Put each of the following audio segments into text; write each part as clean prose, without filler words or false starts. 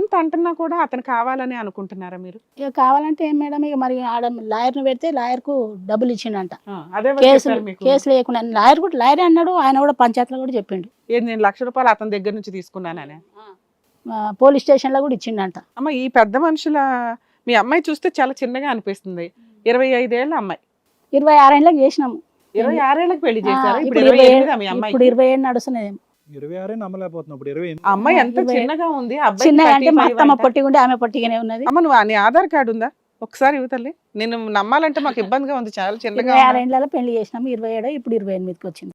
ఇంత అంటున్నా కూడా అతను కావాలని అనుకుంటున్నారా మీరు? ఇక కావాలంటే ఏం మేడం, ఇక మరి ఆడ లాయర్ని పెడితే లాయర్కు డబ్బులు ఇచ్చిండంట. అదే ఎవరు చెప్పారు మీకు? కేసులు వేయకుండా లాయర్ కూడా లాయరే అన్నాడు, ఆయన కూడా పంచాయతీలో కూడా చెప్పిండు. ఏది నేను ₹1,00,000 అతని దగ్గర నుంచి తీసుకున్నాననే? పోలీస్ స్టేషన్లో కూడా ఇచ్చిండంట. అమ్మ ఈ పెద్ద మనుషుల మీ అమ్మాయి చూస్తే చాలా చిన్నగా అనిపిస్తుంది. 25 ఏళ్ళ అమ్మాయి. 26 ఏళ్ళకి చేసినాము. 26 ఏళ్ళకి పెళ్లి చేశారు. ఇప్పుడు ఇప్పుడు 28 మీ అమ్మాయి. 27 నడుస్తున్నది. 26 నమ్మలేకపోతున్నాం. ఇప్పుడు 28. అమ్మాయి ఎంత చిన్నగా ఉంది. అబ్బాయి చిన్నగా అంటే మా అత్తమ్మ పొట్టిగుండి ఆమె పొట్టిగానే ఉన్నది. అమ్మ నువ్వు నీ ఆధార్ కార్డు ఉందా? ఒకసారి ఇవ్వతల్లి. నేను నమ్మాలంటే మాకు ఇబ్బందిగా ఉంది. చాలా చిన్నగా 26 ఏళ్ళలో పెళ్లి చేసినాము. 27 ఇప్పుడు 28కి వచ్చింది.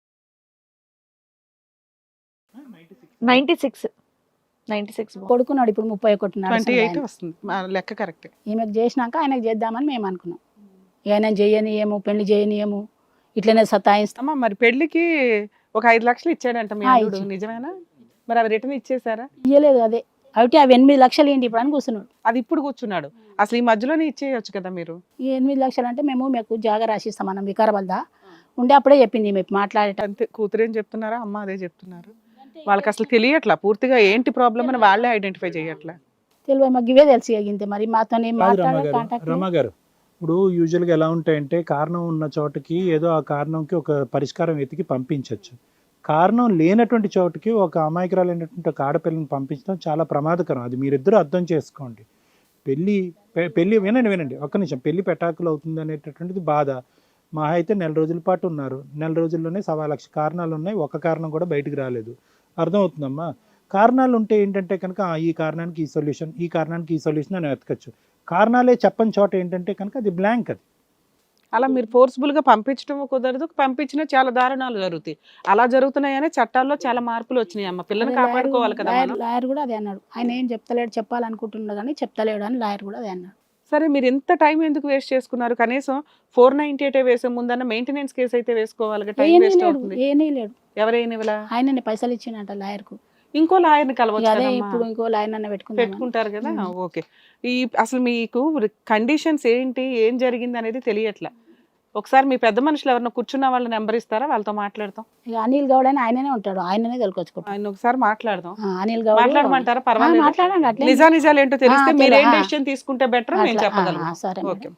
96 కొడుకున్నాడు ఇప్పుడు 31 28 వస్తుంది. లెక్క కరెక్ట్. ఈమెకు చేసినాక ఆయనకు చేద్దామని మేము అనుకున్నాం. ఆయన చేయనియేమో, పెళ్లి చేయనియేమో, ఇట్లనే సతాయిస్తాం. అమ్మ మరి పెళ్లికి ఒక 5 లక్షలు ఇచ్చాడంట మీ అల్లుడు, నిజమేనా? మరి అవి రిటర్న్ ఇచ్చేసారా? ఇయ్యలేదు. అదే అయితే అవి 8 లక్షలు ఏంటి ఇప్పుడు అని కూర్చున్నాడు. అది ఇప్పుడు కూర్చున్నాడు. అసలు ఈ మధ్యలోనే ఇచ్చేయచ్చు కదా మీరు. ఈ 8 లక్షలు అంటే మీకు జాగా రాసిస్తాం మనం వికారాబాద్దా ఉండే అప్పుడే చెప్పింది మీకు మాట్లాడేట. అంతే. కూతురేం చెప్తున్నారా? అమ్మ అదే చెప్తున్నారు. వాళ్ళకి అసలు తెలియట్లా పూర్తిగా ఏంటి ప్రాబ్లం అని వాళ్ళే ఐడెంటిఫై చేయట్లా. తెలియ మాకు ఇవే తెలిసి అగింతే మరి మాతో రమా గారు, ఇప్పుడు యూజువల్గా ఎలా ఉంటాయంటే కారణం ఉన్న చోటకి ఏదో ఆ కారణంకి ఒక పరిష్కారం వెతికి పంపించవచ్చు. కారణం లేనటువంటి చోటుకి ఒక అమాయకురాలైనటువంటి ఒక ఆడపిల్లని పంపించడం చాలా ప్రమాదకరం. అది మీరిద్దరూ అర్థం చేసుకోండి. పెళ్ళి వినండి ఒక్క నిమిషం. పెళ్లి పెటాకులు అవుతుంది అనేటటువంటిది బాధ. మా అయితే 1 నెల రోజుల పాటు ఉన్నారు. 1 నెల రోజుల్లోనే 1,00,000 కారణాలు ఉన్నాయి. ఒక కారణం కూడా బయటికి రాలేదు. అర్థమవుతుందమ్మా? కారణాలు ఉంటే ఏంటంటే కనుక ఈ కారణానికి ఈ సొల్యూషన్, ఈ కారణానికి ఈ సొల్యూషన్ అని వెతకచ్చు. కారణాలే చెప్పని చోట ఏంటంటే కనుక అది బ్లాంక్. అది అలా మీరు ఫోర్స్ఫుల్ గా పంపించడం కుదరదు. పంపించినా చాలా దారుణాలు జరుగుతాయి. అలా జరుగుతున్నాయనే చట్టాల్లో చాలా మార్పులు వచ్చినాయి. అమ్మ పిల్లని కాపాడుకోవాలి కదా. లాయర్ కూడా అదే అన్నాడు. ఆయన ఏం చెప్తలేడు, చెప్పాలనుకుంటున్నాడు కానీ చెప్తలేడు అని లాయర్ కూడా అదే అన్నాడు. సరే మీరు ఎంత టైం ఎందుకు వేస్ట్ చేసుకున్నారు? కనీసం 498 వేసే ముందన్న మెయింటెనెన్స్ కేసు అయితే వేసుకోవాలి. టైం వేస్ట్ అవుతుంది. ఏనేలేడు. ఎవరైనా ఆయనని పైసలు ఇచ్చిండంట లాయర్ కు. ఇంకో లాయర్ని కలవచ్చు. అదే ఇప్పుడు ఇంకో లాయర్ అన్న పెట్టుకుంటారు కదా. ఓకే. అసలు మీకు కండిషన్స్ ఏంటి, ఏం జరిగింది అనేది తెలియట్లా. ఒకసారి మీ పెద్ద మనుషులు ఎవరైనా కూర్చున్న వాళ్ళ నెంబర్ ఇస్తారా? వాళ్ళతో మాట్లాడతాం. అనిల్ గౌడ్ అని ఆయననే ఉంటాడు. ఆయననే తెలుకొచ్చుకుంటాం. ఆయన ఒకసారి మాట్లాడదాం. అనిల్ గౌడ్ మాట్లాడమంటారా? పర్వాలేదు. మాట్లాడండి. నిజాలు ఏంటో తెలిస్తే మీరు ఏం డెసిషన్ తీసుకుంటే బెటర్ నేను చెప్పగలను. సరే. ఓకే.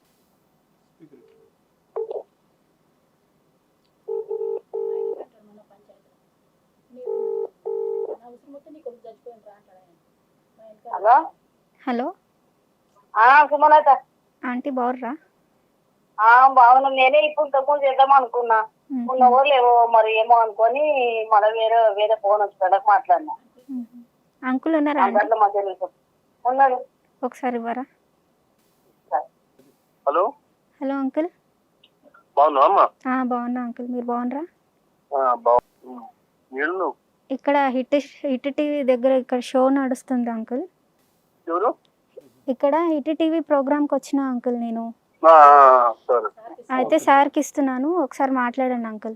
హలో సుమలత ఆంటీ బాగుర్రా? బాగున్నా. నేనే ఇప్పుడు ఇంతకుముందు చేద్దాం అనుకున్నా. ఉన్నవో లేవో మరి ఏమో అనుకొని మళ్ళీ వేరే ఫోన్ వచ్చి మాట్లాడినా. అంకుల్ ఉన్నారా? ఉన్నాడు. ఒకసారి ఇవ్వరా? Hello hello uncle. బాగున్నా అంకుల్, మీరు బాగున్నారా? ఇక్కడ హిట్ టీవీ దగ్గర ఇక్కడ షో నడుస్తుంది అంకుల్. ఇక్కడ హిట్ టీవీ ప్రోగ్రామ్కి వచ్చిన అంకుల్ నేను. అయితే సార్కి ఇస్తున్నాను, ఒకసారి మాట్లాడండి అంకుల్.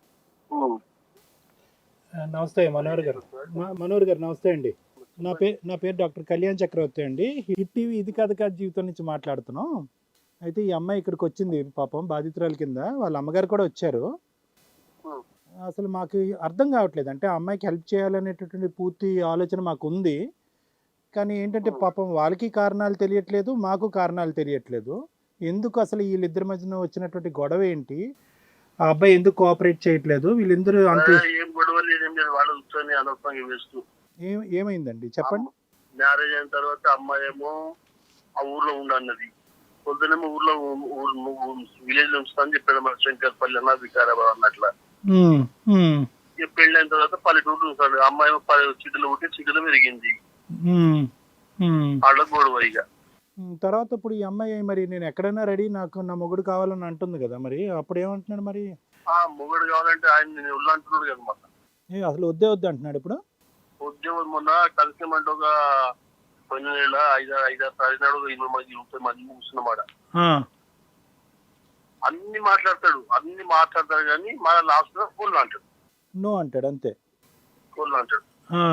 నమస్తే మనోహర్ గారు. నమస్తే అండి. నా పేరు డాక్టర్ కళ్యాణ్ చక్రవర్తి అండి. హిట్ టీవీ ఇది కథ జీవితం నుంచి మాట్లాడుతున్నాం. అయితే ఈ అమ్మాయి ఇక్కడికి వచ్చింది పాపం బాధితురాల కింద. వాళ్ళ అమ్మగారు కూడా వచ్చారు. అసలు మాకు అర్థం కావట్లేదు. అంటే ఆ అమ్మాయికి హెల్ప్ చేయాలనేటటువంటి పూర్తి ఆలోచన మాకు ఉంది. కానీ ఏంటంటే పాపం వాళ్ళకి కారణాలు తెలియట్లేదు, మాకు కారణాలు తెలియట్లేదు. ఎందుకు అసలు వీళ్ళిద్దరి మధ్యన వచ్చినటువంటి గొడవ ఏంటి? ఆ అబ్బాయి ఎందుకు కోఆపరేట్ చేయట్లేదు? వీళ్ళిద్దరు అంతే ఏమైందండి చెప్పండి. మ్యారేజ్ అయిన తర్వాత అమ్మాయి ఏమో ఆ ఊర్లో ఉండన్నది. పొద్దునేమో ఊర్లో విలేజ్ లో ఉంచుతానని చెప్పాడు. మన శంకర్పల్లి అన్న వికారాబాద్ అన్నట్ల. పెళ్ళైన తర్వాత పల్లెటూరు ఉంటాడు. అమ్మాయి చిటిలో ఉంటే చిటిలో పెరిగింది. వాళ్ళ గొడవ. ఇక తర్వాత ఇప్పుడు ఈ అమ్మాయి మరి నేను ఎక్కడైనా రెడీ, నాకు నా మొగుడు కావాలని అంటుంది కదా. మరి అప్పుడు ఏమంటున్నాడు? మరి మొగుడు కావాలంటే ఆయన నేను ఉల్లు అంటున్నాడు కదా. మొన్న అసలు వద్దే అంటున్నాడు. ఇప్పుడు ఉద్యోగం మొన్న కలిసేమంటే ఒక కొన్ని నెల 5-6 తారీఖు నాడు 20 మంది కూర్చున్నమాట. అన్ని మాట్లాడతాడు కానీ మన లాస్ట్ లో ఫోన్ అంటాడు. నో అంటాడు అంతే. ఫోన్ అంటాడు.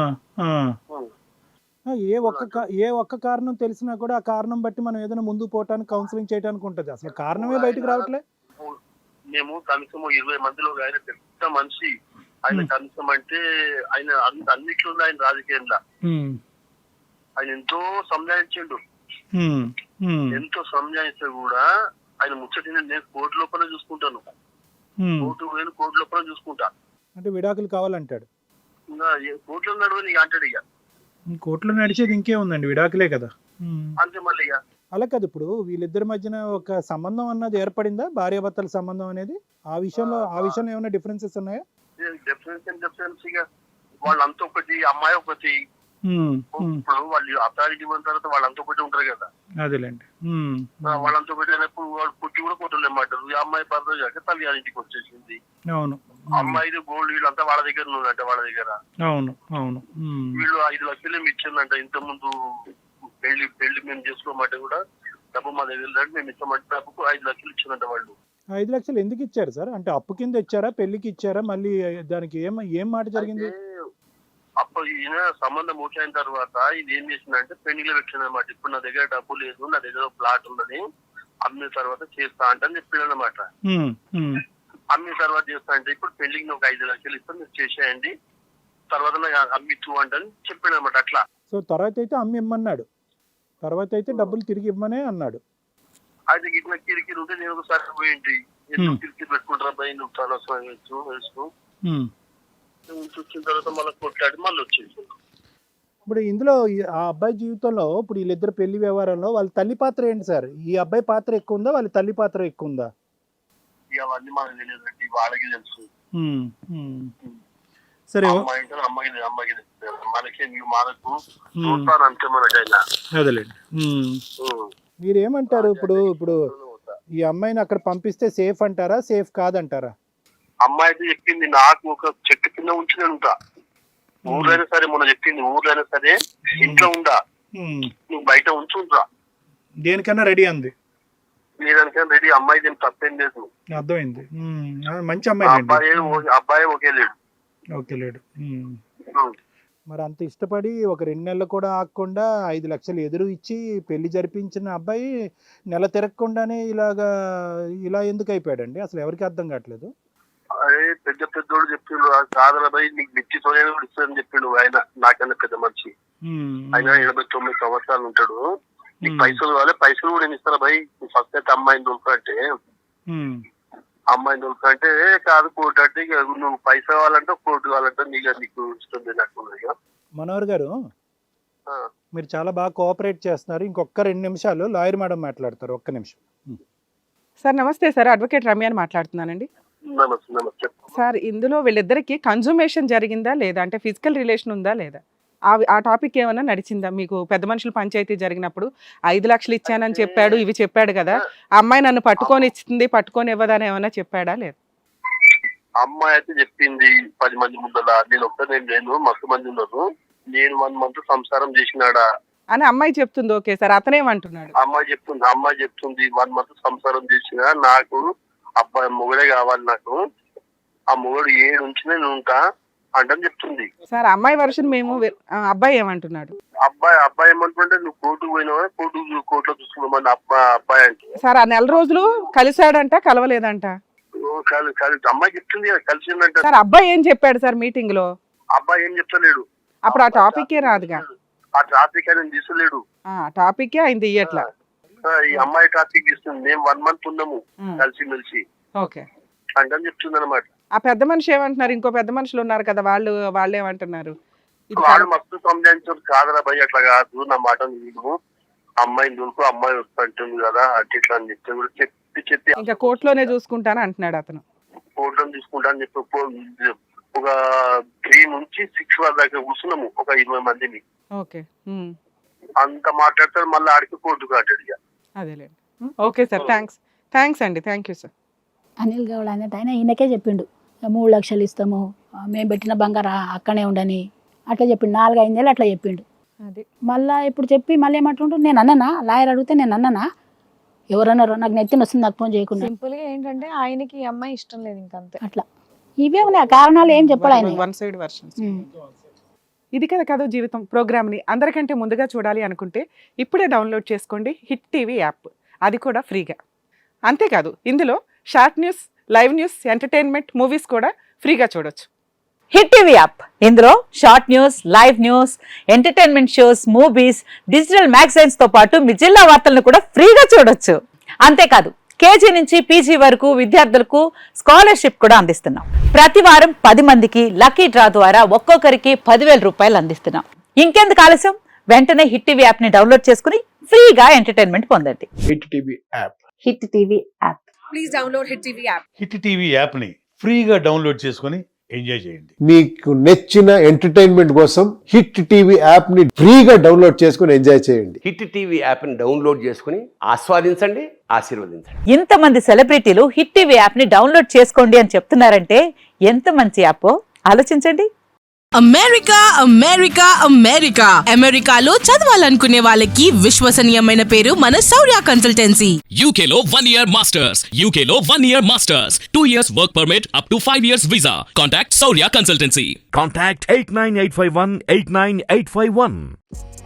ఏ ఒక్క కారణం తెలిసినా కూడా ఆ కారణం బట్టి మనం ఏదైనా ముందు పోవటానికి కౌన్సిలింగ్ చేయడానికి ఉంటుంది. అసలు కారణమే బయటకు రావట్లే. మేము కనీసం 20 మందిలో ఆయన పెద్ద మనిషి. ఆయన కనీసం అంటే ఆయన అన్నిట్లో ఆయన రాజకీయంలో ఆయన ఎంతో సంజాయించిండు, ఉమ్, ఉమ్, ఎంతో సంజాయిస్తే కూడా ఆయన ముచ్చటిని నేను కోర్టు లోపల చూసుకుంటాను, ఉమ్. కోర్టు లోపల చూసుకుంటా, అంటే విడాకులు కావాలంటాడు. ఇంకా కోర్టులో నడవని ఇక అంటాడు ఇక, కోర్టులో నడిచేది ఇంకే ఉందండి, విడాకులే కదా. ఉమ్. అంతే మళ్ళీ ఇక. అలా కాదు, ఇప్పుడు వీళ్ళిద్దరి మధ్యన ఒక సంబంధం అన్నది ఏర్పడిందా, భార్యాభర్తల సంబంధం అనేది? ఆ విషయంలో ఏమైనా డిఫరెన్సెస్ ఉన్నాయా? డిఫరెన్స్ ఇక వాళ్ళంతా ఒకటి, అమ్మాయి ఒకటి. ఉమ్, ఉమ్. ఇప్పుడు వాళ్ళు అథారిటీ ఉన్న తర్వాత వాళ్ళంతా ఒకటి ఉంటారు కదా, అదేలేండి. ఉమ్, వాళ్ళంతా ఒకటి అయినప్పుడు వాళ్ళు పుట్టి కూడా కొట్టలేమంటారు. ఈ అమ్మాయి భర్త కాక తల్లి గారింటికి వచ్చేసింది. అవును. అమ్మాయిది గోల్డ్ వీళ్ళంతా వాళ్ళ దగ్గర ఉందంట, వాళ్ళ దగ్గర. అవును, అవును. ఉమ్. వీళ్ళు 5 లక్షలు ఇచ్చిందంట. ఇంత ముందు పెళ్లి మేము చేసుకోమంటే కూడా డబ్బు మా దగ్గర లేదు, మేము ఇస్తామంటే డబ్బుకు 5 లక్షలు ఇచ్చిందంట వాళ్ళు. 5 లక్షలు ఎందుకు ఇచ్చారు సార్? అంటే అప్పు కింద ఇచ్చారా, పెళ్లికి ఇచ్చారా? మళ్ళీ దానికి ఏం మాట జరిగింది? అప్పుడు ఈయన సంబంధం అయిన తర్వాత ఇది ఏం చేసిందంటే పెళ్లిలో పెట్టిందన్నమాట. ఇప్పుడు నా దగ్గర డబ్బు లేదు, నా దగ్గర ప్లాట్ ఉన్నది, అమ్మిన తర్వాత చేస్తా అంటే చెప్పాడు అనమాట. అమ్మిన తర్వాత చేస్తా అంటే ఇప్పుడు పెళ్లికి నాకు 5 లక్షలు ఇస్తాను, మీరు చేసేయండి, తర్వాత నాకు అమ్మిచ్చు అంటే చెప్పాడు అనమాట. అట్లా సో తర్వాత అయితే అమ్మి ఇమ్మన్నాడు, తర్వాత అయితే డబ్బులు తిరిగి ఇవ్వమనే అన్నాడు. అయితే ఇట్లా కిరికిరి ఉంటే నేను ఒకసారి పోయింది, ఎందుకు కిరికిరి పెట్టుకుంటారా భయ, నువ్వు చాలా వేసుకో వచ్చిన తర్వాత మళ్ళీ కొట్లాడి మళ్ళీ వచ్చేసి. ఇప్పుడు ఇందులో ఆ అబ్బాయి జీవితంలో ఇప్పుడు వీళ్ళిద్దరు పెళ్లి వ్యవహారంలో వాళ్ళ తల్లి పాత్ర ఏంటి సార్? ఈ అబ్బాయి పాత్ర ఎక్కువ ఉందా, వాళ్ళ తల్లి పాత్ర ఎక్కువ ఉందా? అవన్నీ మనకు తెలియదండి, వాళ్ళకి తెలుసు. సరే, అమ్మాయికి మనకి మనకు చూస్తాను అంతే మనకైనా. అదేలేండి. మీరు ఏమంటారు ఇప్పుడు ఈ అమ్మాయిని అక్కడ పంపిస్తే సేఫ్ అంటారా, సేఫ్ కాదంటారా? అమ్మాయి అయితే చెప్పింది నాకు ఒక చెట్టు కింద ఉంచి నేను ఉంటా, ఊర్లైనా సరే, మొన్న చెప్పింది ఊర్లైనా సరే ఇంట్లో ఉండా, నువ్వు బయట ఉంచుంటా, దేనికన్నా రెడీ అంది. లేదానికైనా రెడీ. అమ్మాయి దీనికి తప్పేం లేదు, అర్థమైంది. మంచి అమ్మాయి. అబ్బాయి ఒకే లేడు. ఓకే లేడు. మరి అంత ఇష్టపడి ఒక 2 నెలలు కూడా ఆగకుండా 5 లక్షలు ఎదురు ఇచ్చి పెళ్లి జరిపించిన అబ్బాయి నెల తిరగకుండానే ఇలా ఎందుకు అయిపోయాడండి? అసలు ఎవరికి అర్థం కావట్లేదు. అదే పెద్దోడు చెప్పిండు, కాదలబాయి నీకు మిర్చి సోయా కూడా ఇస్తాడని చెప్పిండు ఆయన, నాకన్నా పెద్ద మనిషి. ఆయన 89 సంవత్సరాలు ఉంటాడు. నీకు పైసలు కావాలి, పైసలు కూడా నేను ఇస్తాను బాయ్, ఫస్ట్ అయితే అమ్మాయిని దొరకంటే కాదు కోర్టు అంటే ఇక నువ్వు పైసలు కావాలంటే కోర్టు కావాలంటే నీకు ఇష్టం నాకు. మనోహర్ గారు, మీరు చాలా బాగా కోఆపరేట్ చేస్తున్నారు. ఇంకొక 2 నిమిషాలు లాయర్ మేడం మాట్లాడతారు. ఒక్క నిమిషం సార్. నమస్తే సార్, అడ్వకేట్ రమ్య అని మాట్లాడుతున్నానండి. నమస్తే. సార్, ఇందులో వీళ్ళిద్దరికి కన్జుమేషన్ జరిగిందా లేదా, అంటే ఫిజికల్ రిలేషన్ ఉందా లేదా, ఆ టాపిక్ ఏమైనా నడిచిందా మీకు? పెద్ద మనుషులు పంచాయతీ జరిగినప్పుడు 5 లక్షలు ఇచ్చానని చెప్పాడు, ఇవి చెప్పాడు కదా, ఆ అమ్మాయి నన్ను పట్టుకొని ఇచ్చింది, పట్టుకొని ఇవ్వదని ఏమైనా చెప్పాడా లేదా? అమ్మాయి అయితే చెప్పింది 10 మంది ముందర, నేను ఒక్కనే లేను, మస్తు మంది ఉన్నారు, నేను 1 మంత్ సంసారం చేసినాడా అని అమ్మాయి చెప్తుంది. ఓకే సార్, అతనేమంటున్నాడు? అమ్మాయి చెప్తుంది 1 మంత్ సంసారం చేసినా, నాకు అబ్బాయి మొగుడే కావాలి, నాకు ఆ మొగుడు 7 నుంచి నేను ఉంటా అంటే చెప్తుంది సార్. అమ్మాయి వర్షన్ మేము, అబ్బాయి ఏమంటున్నాడు? అబ్బాయి ఏమంటుంటే నువ్వు కోర్టుకు పోయినావా, కోర్టులో చూసుకున్నామని అబ్బాయి అంటే. సార్, ఆ నెల రోజులు కలిశాడంట, కలవలేదంట? అమ్మాయి చెప్తుంది కలిసిందంట. సార్, అబ్బాయి ఏం చెప్పాడు సార్ మీటింగ్ లో? అబ్బాయి ఏం చెప్తలేడు. అప్పుడు ఆ టాపికే రాదుగా. ఆ టాపిక్ ఆయన తీసుకోలేడు. టాపికే ఆయన తీయట్లా. ఈ అమ్మాయి టాపిక్ ఇస్తుంది. మేము 1 మంత్ ఉన్నాము కలిసి మెలిసి ఓకే అంటే చెప్తుంది అనమాట. ఆ పెద్ద మనిషి ఏమంటున్నారు? ఇంకో పెద్ద మనుషులు ఉన్నారు కదా, వాళ్ళు ఏమంటున్నారు? వాళ్ళు మస్తు సంజాయించారు, కాదరా భయ్ అట్లా కాదు, నా మాట నీకు అమ్మాయిని దొరుకు, అమ్మాయి వస్తుంటుంది కదా అంటే ఇట్లా అని చెప్తే కూడా చెప్పి ఇంకా కోర్టులోనే చూసుకుంటాను అంటున్నాడు అతను. కోర్టులో తీసుకుంటా అని చెప్పి ఒక 3 నుంచి 6 వరకు దాకా కూర్చున్నాము, ఒక 20 మందిని. ఓకే, అంత మాట్లాడతారు, మళ్ళీ ఆడికి కోర్టుకు ఆడాడు. అదేలేండి. ఓకే సార్, థ్యాంక్స్ అండి, thank you sir. Anil Goud అనేది ఆయన ఈయనకే చెప్పిండు, 3 లక్షలు ఇస్తాము, మేము పెట్టిన బంగారం అక్కడే ఉండని అట్లా చెప్పిండు. 4-5 నెలలు అట్లా చెప్పిండు. అది మళ్ళీ ఇప్పుడు చెప్పి మళ్ళీ ఏమంటుంటారు, నేను అన్ననా, లాయర్ అడిగితే నేను అన్ననా, ఎవరన్నారో నాకు నెత్తిన వస్తుంది, నాకు ఫోన్ చేయకుండా. సింపుల్ గా ఏంటంటే ఆయనకి ఈ అమ్మాయి ఇష్టం లేదు, ఇంకంతే. అట్లా ఇవే ఉన్నాయి కారణాలు, ఏం చెప్పాడు ఆయన. 1 సైడ్ వర్షన్. ఇది కదా జీవితం ప్రోగ్రామ్ని అందరికంటే ముందుగా చూడాలి అనుకుంటే ఇప్పుడే డౌన్లోడ్ చేసుకోండి హిట్ టీవీ యాప్, అది కూడా ఫ్రీగా. అంతేకాదు ఇందులో short news, live news, entertainment, movies కూడా ఫ్రీగా చూడొచ్చు. హిట్ టీవీ యాప్ ఇందులో short news, live news, entertainment shows, movies, digital magazines తో పాటు మీ జిల్లా వార్తలను కూడా ఫ్రీగా చూడొచ్చు. అంతేకాదు కేజీ నుంచి పీజీ వరకు విద్యార్థులకు స్కాలర్షిప్ కూడా అందిస్తున్నాం. ప్రతి వారం 10 మందికి లక్కీ డ్రా ద్వారా ఒక్కొక్కరికి 10,000 రూపాయలు అందిస్తున్నాం. ఇంకెందుకు ఆలస్యం, వెంటనే హిట్ టీవీ యాప్ ని డౌన్లోడ్ చేసుకుని ఫ్రీగా ఎంటర్టైన్మెంట్ పొందండి. Hit TV app. Hit TV app. Please download hit TV app. Hit TV app ని ఫ్రీగా డౌన్లోడ్ చేసుకొని ఎంజాయ్ చేయండి. మీకు నచ్చిన ఎంటర్టైన్మెంట్ కోసం హిట్ టీవీ యాప్ ని ఫ్రీగా డౌన్లోడ్ చేసుకొని ఎంజాయ్ చేయండి. హిట్ టీవీ యాప్ ని డౌన్లోడ్ చేసుకుని ఆస్వాదించండి, ఆశీర్వదించండి. ఇంతమంది సెలబ్రిటీలు హిట్ టీవీ యాప్ ని డౌన్లోడ్ చేసుకోండి అని చెప్తున్నారంటే ఎంత మంచి యాప్ ఆలోచించండి. అమెరికా అమెరికా అమెరికా అమెరికాలో చదవాలనుకునే వాళ్ళకి విశ్వసనీయమైన పేరు మన శౌర్య కన్సల్టెన్సీ. UK లో 1 year masters, UK లో 1 year masters, 2 years work permit up to 5 years visa. Contact Saurya Consultancy. Contact 89851 89851.